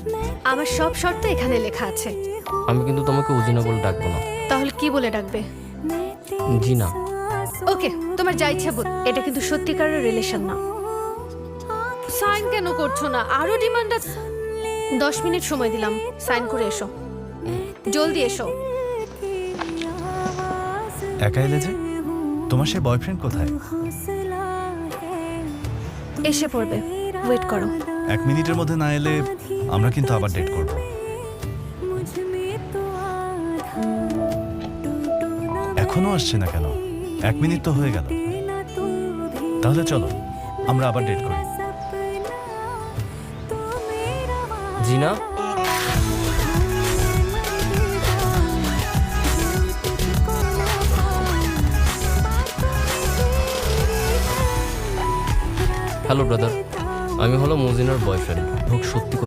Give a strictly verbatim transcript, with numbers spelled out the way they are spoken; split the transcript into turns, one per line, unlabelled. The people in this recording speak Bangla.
আমার সব শর্ত এখানে লেখা আছে।
আমি কিন্তু তোমাকে উজিনা বলে ডাকবো না।
তাহলে কি বলে ডাকবে?
জিনা।
ওকে, তোমার যা ইচ্ছা বল। এটা কিন্তু সত্যিকারের রিলেশন না। সাইন কেন করছো না? আরো ডিমান্ড আছে। দশ মিনিট সময় দিলাম, সাইন করে এসো। জলদি এসো।
একা এলে যে? তোমার সে বয়ফ্রেন্ড কোথায়?
এসে পড়বে, ওয়েট করো।
এক মিনিটের মধ্যে না এলে আমরা কিন্তু আবার ডেট করব। এখনো আসছে না কেন? এক মিনিট তো হয়ে গেল। তাহলে চলো আমরা আবার ডেট করি।
জিনা, হ্যালো ব্রাদার, আমি হলো মুজিনার বয়ফ্রেন্ড। হোক সত্যি